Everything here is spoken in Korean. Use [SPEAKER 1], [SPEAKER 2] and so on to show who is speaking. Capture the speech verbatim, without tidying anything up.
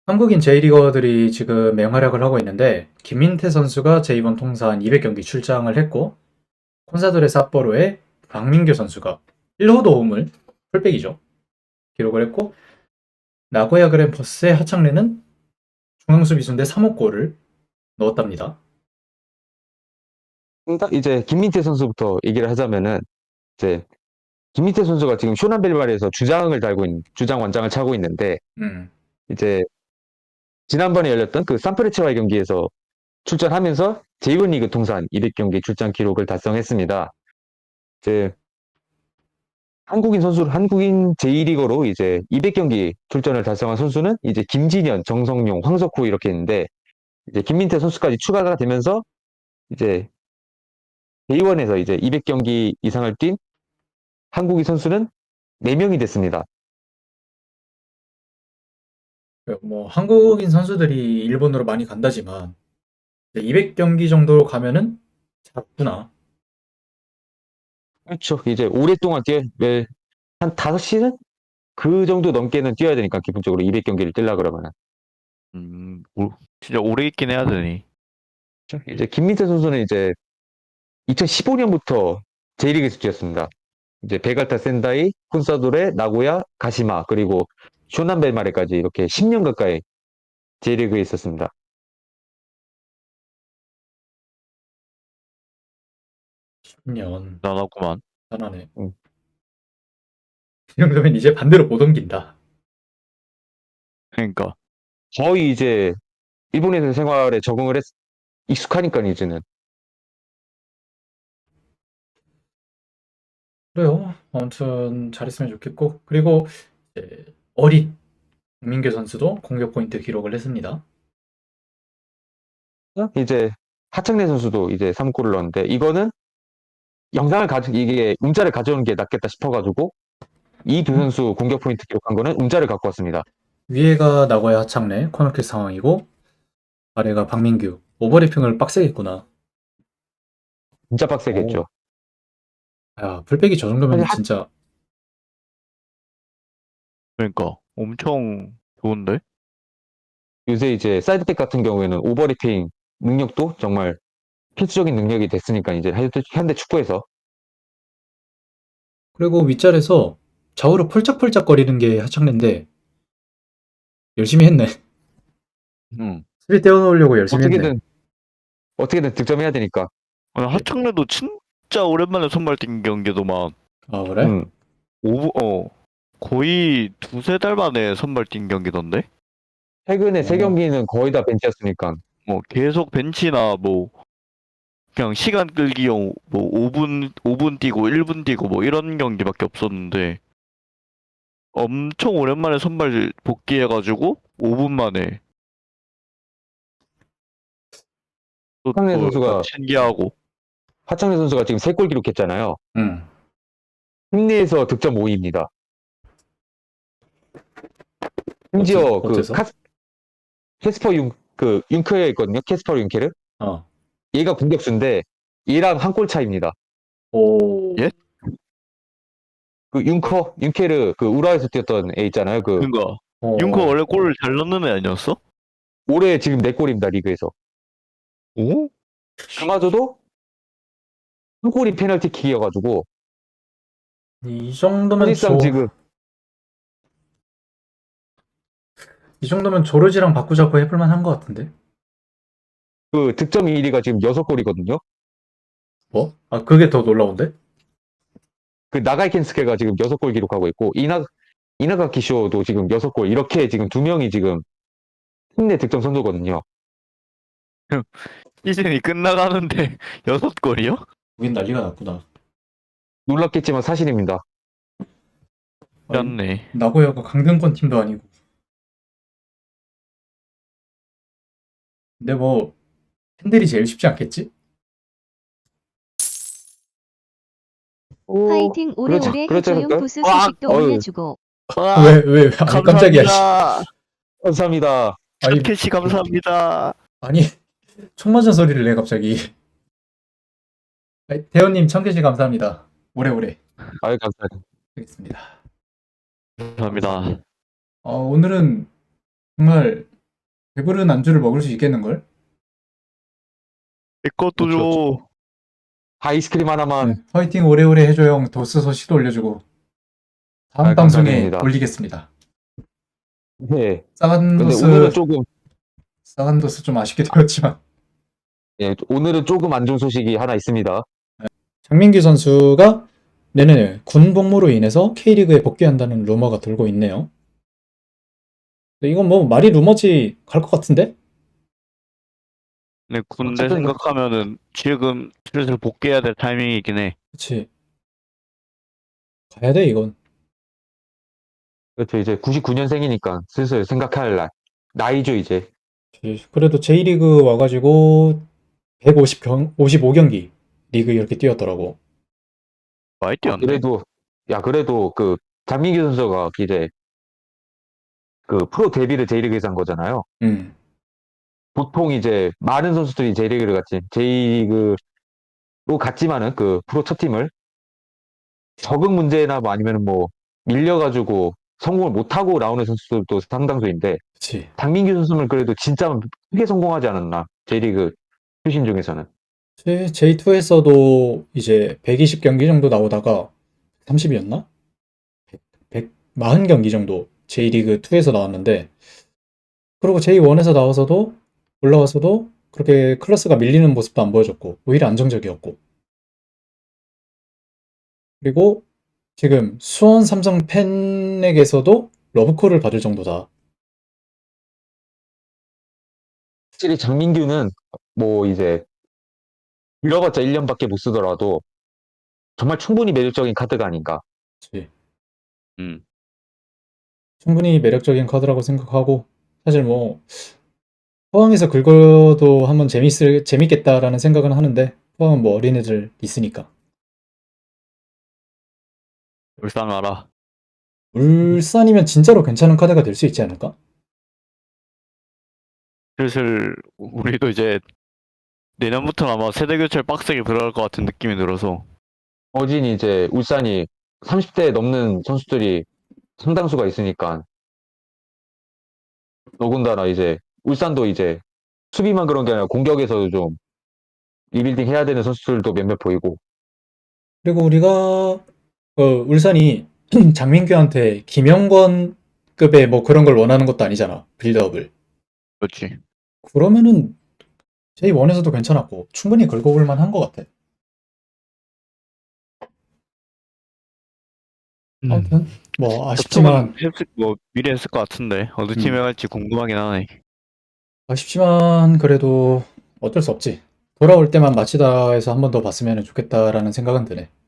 [SPEAKER 1] 한국인 제이리거들이 지금 맹활약을 하고 있는데 김민태 선수가 제이번 통산 이백 경기 출장을 했고 콘사도레 삿포로의 박민규 선수가 일 호 도움을 풀백이죠. 기록을 했고 나고야 그랜퍼스의 하창래는 중앙수비수인데 삼 호 골을 넣었답니다.
[SPEAKER 2] 딱 이제 김민태 선수부터 얘기를 하자면은 이제 김민태 선수가 지금 쇼남벨마르에서 주장을 달고 있는 주장 완장을 차고 있는데
[SPEAKER 1] 음.
[SPEAKER 2] 이제 지난번에 열렸던 그 산프레체와의 경기에서 출전하면서 제이원 리그 통산 이백 경기 출장 기록을 달성했습니다. 이제 한국인 선수 한국인 제이리거로 이제 이백 경기 출전을 달성한 선수는 이제 김진현, 정성용, 황석호 이렇게 있는데 이제 김민태 선수까지 추가가 되면서 이제 제이원에서 이제 이백 경기 이상을 뛴 한국인 선수는 네 명이 됐습니다.
[SPEAKER 1] 뭐 한국인 선수들이 일본으로 많이 간다지만 이백 경기 정도 가면은 작구나.
[SPEAKER 2] 그렇죠. 이제 오랫동안 뛰어, 매, 한 다섯 시즌? 그 정도 넘게는 뛰어야 되니까, 기본적으로 이백 경기를 뛰려 그러면은.
[SPEAKER 3] 음, 오, 진짜 오래 있긴 해야 되니.
[SPEAKER 2] 이제 김민태 선수는 이제 이천십오 년부터 제이리그에서 뛰었습니다. 이제 베갈타 센다이, 콘사도레, 나고야, 가시마, 그리고 쇼남벨마레까지 이렇게 십 년 가까이 제이리그에 있었습니다.
[SPEAKER 1] 십 년.
[SPEAKER 3] 나나구만.
[SPEAKER 1] 대단하네.
[SPEAKER 2] 음.
[SPEAKER 1] 이 정도면 이제 반대로 못 옮긴다.
[SPEAKER 3] 그러니까.
[SPEAKER 2] 거의 이제 일본에서 생활에 적응을 했, 익숙하니까 이제는.
[SPEAKER 1] 그래요. 아무튼 잘했으면 좋겠고 그리고 이제 어린 박민규 선수도 공격 포인트 기록을 했습니다.
[SPEAKER 2] 이제 하창래 선수도 이제 삼 골을 넣었는데, 이거는 영상을 가져, 이게 음자를 가져오는 게 낫겠다 싶어가지고, 이 두 선수 공격 포인트 기록한 거는 음자를 갖고 왔습니다.
[SPEAKER 1] 위에가 나고야 하창래 코너킥 상황이고 아래가 박민규. 오버래핑을 빡세게 했구나.
[SPEAKER 2] 진짜 빡세겠죠.
[SPEAKER 1] 야, 풀백이 저 정도면
[SPEAKER 2] 사실 하,
[SPEAKER 1] 진짜
[SPEAKER 3] 그러니까. 엄청 좋은데?
[SPEAKER 2] 요새 이제 사이드백 같은 경우에는 오버래핑 능력도 정말 필수적인 능력이 됐으니까, 이제 현대, 현대 축구에서.
[SPEAKER 1] 그리고 윗자리에서 좌우로 펄짝펄짝 거리는 게 하창래인데 열심히 했네.
[SPEAKER 3] 응.
[SPEAKER 1] 수비 떼어놓으려고 열심히 했네.
[SPEAKER 2] 어떻게든, 어떻게든 득점해야 되니까.
[SPEAKER 3] 아니, 하창래도 진짜 오랜만에 선발 뛴 경기도만
[SPEAKER 1] 아 그래?
[SPEAKER 2] 음.
[SPEAKER 3] 오브 어 거의 두세 달 만에 선발 뛴 경기던데?
[SPEAKER 2] 최근에 세
[SPEAKER 1] 어.
[SPEAKER 2] 경기는 거의 다 벤치였으니까.
[SPEAKER 3] 뭐 계속 벤치나 뭐 그냥 시간 끌기용 뭐 오 분 오 분 뛰고 일 분 뛰고 뭐 이런 경기밖에 없었는데 엄청 오랜만에 선발 복귀해가지고 오 분 만에 또,
[SPEAKER 2] 하창래
[SPEAKER 3] 또 약간
[SPEAKER 2] 선수가,
[SPEAKER 3] 신기하고
[SPEAKER 2] 하창래 선수가 지금 세 골 기록했잖아요.
[SPEAKER 1] 응.
[SPEAKER 2] 승리에서 득점 오 위입니다.
[SPEAKER 1] 어째,
[SPEAKER 2] 심지어 그
[SPEAKER 1] 어째서?
[SPEAKER 2] 카스, 캐스퍼 융, 그 융케르 있거든요. 캐스퍼 융케르.
[SPEAKER 1] 어.
[SPEAKER 2] 얘가 공격수인데 얘랑 한 골 차입니다.
[SPEAKER 1] 오.
[SPEAKER 3] 예?
[SPEAKER 2] 그 융커, 융케르 그 우라에서 뛰었던 애 있잖아요. 그
[SPEAKER 3] 그니까
[SPEAKER 1] 어.
[SPEAKER 3] 융커 원래 골을 잘 넣는 애 아니었어?
[SPEAKER 2] 올해 지금 네 골입니다. 리그에서.
[SPEAKER 3] 오?
[SPEAKER 2] 그마저도 한 골이 페널티킥이어가지고
[SPEAKER 1] 이 정도면
[SPEAKER 2] 사실상
[SPEAKER 1] 조,
[SPEAKER 2] 지금
[SPEAKER 1] 이 정도면 조르지랑 바꾸자고 해볼 만한 것 같은데?
[SPEAKER 2] 그 득점 일 위가 지금 여섯 골이거든요.
[SPEAKER 1] 뭐? 아, 그게 더 놀라운데?
[SPEAKER 2] 그 나가이 켄스케가 지금 여섯 골 기록하고 있고 이나 이나가 키쇼도 지금 여섯 골 이렇게 지금 두 명이 지금 팀 내 득점 선수거든요.
[SPEAKER 3] 시즌이 끝나가는데 여섯 골이요?
[SPEAKER 1] 우린 난리가 났구나.
[SPEAKER 2] 놀랍겠지만 사실입니다.
[SPEAKER 1] 아니,
[SPEAKER 3] 짠네.
[SPEAKER 1] 나고야가 강등권 팀도 아니고. 근데 뭐, 팬들이 제일 쉽지 않겠지?
[SPEAKER 2] 오,
[SPEAKER 4] 화이팅
[SPEAKER 2] 그렇죠,
[SPEAKER 4] 오래오래
[SPEAKER 2] 그렇죠,
[SPEAKER 4] 해줘용
[SPEAKER 2] 그럴까요?
[SPEAKER 4] 보스
[SPEAKER 3] 와,
[SPEAKER 4] 소식도
[SPEAKER 2] 어휴.
[SPEAKER 4] 올려주고.
[SPEAKER 3] 와,
[SPEAKER 1] 왜, 왜, 왜, 아니, 깜짝이야. 씨.
[SPEAKER 3] 감사합니다.
[SPEAKER 2] 감사합니다.
[SPEAKER 1] 아니,
[SPEAKER 3] 캐시 감사합니다.
[SPEAKER 1] 아니, 총 맞은 소리를 내, 갑자기. 아니, 대현님, 청개시 감사합니다. 오래오래
[SPEAKER 2] 아유 감사합니다.
[SPEAKER 1] 하겠습니다.
[SPEAKER 3] 감사합니다.
[SPEAKER 1] 어, 오늘은 정말 배부른 안주를 먹을 수 있겠는걸?
[SPEAKER 3] 이것도
[SPEAKER 2] 그렇죠.
[SPEAKER 3] 줘.
[SPEAKER 2] 아이스크림 하나만.
[SPEAKER 1] 네. 화이팅 오래오래 해줘 형. 도스 소식도 올려주고. 다음
[SPEAKER 2] 아,
[SPEAKER 1] 방송에
[SPEAKER 2] 감사드립니다.
[SPEAKER 1] 올리겠습니다.
[SPEAKER 2] 네.
[SPEAKER 1] 싸간
[SPEAKER 2] 근데
[SPEAKER 1] 도스,
[SPEAKER 2] 오늘은 조금,
[SPEAKER 1] 싸간 도스 좀 아쉽게 되었지만.
[SPEAKER 2] 예, 오늘은 조금 안 좋은 소식이 하나 있습니다.
[SPEAKER 1] 장민규 선수가 내년에 군 복무로 인해서 K리그에 복귀한다는 루머가 돌고 있네요. 근데 이건 뭐 말이 루머지 갈 것 같은데?
[SPEAKER 3] 근데 군대
[SPEAKER 2] 어쨌든-
[SPEAKER 3] 생각하면은 지금 슬슬 복귀해야 될 타이밍이긴 해.
[SPEAKER 1] 그치. 가야 돼, 이건.
[SPEAKER 2] 그렇죠. 이제 구십구 년생이니까 슬슬 생각할 날. 나이죠, 이제.
[SPEAKER 1] 그치. 그래도 J리그 와가지고 백오십 경, 오십오 경기 리그 이렇게 뛰었더라고.
[SPEAKER 3] 많이
[SPEAKER 2] 아,
[SPEAKER 3] 뛰었네.
[SPEAKER 2] 그래도, 야, 그래도 그, 장민규 선수가 이제 그 프로 데뷔를 J리그에서 한 거잖아요.
[SPEAKER 1] 음,
[SPEAKER 2] 보통 이제 많은 선수들이 J리그를 갔지. J리그로 갔지만은 그 프로 첫 팀을 적응 문제나 뭐 아니면 뭐 밀려가지고 성공을 못하고 나오는 선수들도 상당수인데
[SPEAKER 1] 그치.
[SPEAKER 2] 장민규 선수는 그래도 진짜 크게 성공하지 않았나. J리그 출신 중에서는.
[SPEAKER 1] 제이투에서도 이제 백이십 경기 정도 나오다가 삼십이었나? 백, 사십 경기 정도 J리그 이에서 나왔는데, 그리고 제이원에서 나와서도 올라와서도 그렇게 클래스가 밀리는 모습도 안 보여줬고 오히려 안정적이었고, 그리고 지금 수원 삼성 팬에게서도 러브콜을 받을 정도다.
[SPEAKER 2] 확실히 장민규는 뭐 이제 잃어봤자 일 년밖에 못 쓰더라도 정말 충분히 매력적인 카드가 아닌가.
[SPEAKER 1] 그치.
[SPEAKER 3] 음.
[SPEAKER 1] 충분히 매력적인 카드라고 생각하고, 사실 뭐 포항에서 긁어도 한번 재밌을 재밌겠다라는 생각은 하는데, 포항은 뭐 어린애들 있으니까.
[SPEAKER 3] 울산 와라.
[SPEAKER 1] 울산이면 진짜로 괜찮은 카드가 될 수 있지 않을까?
[SPEAKER 3] 슬슬 우리도 이제 내년부터는 아마 세대 교체를 빡세게 들어갈 것 같은 느낌이 들어서.
[SPEAKER 2] 어진 이제 울산이 삼십 대 넘는 선수들이 상당수가 있으니까 더군다나 이제 울산도 이제 수비만 그런 게 아니라 공격에서도 좀 리빌딩 해야 되는 선수들도 몇몇 보이고.
[SPEAKER 1] 그리고 우리가 어, 울산이 장민규한테 김영권급의 뭐 그런 걸 원하는 것도 아니잖아. 빌드업을.
[SPEAKER 3] 그렇지.
[SPEAKER 1] 그러면은 제이원에서도 괜찮았고 충분히 긁어볼 만한 것 같아. 아무튼 뭐 아쉽지만
[SPEAKER 3] 했을, 뭐 미래 했을 것 같은데 어느
[SPEAKER 1] 음.
[SPEAKER 3] 팀에 갈지 궁금하긴 하네.
[SPEAKER 1] 아쉽지만 그래도 어쩔 수 없지. 돌아올 때만 마치다에서 한 번 더 봤으면 좋겠다라는 생각은 드네.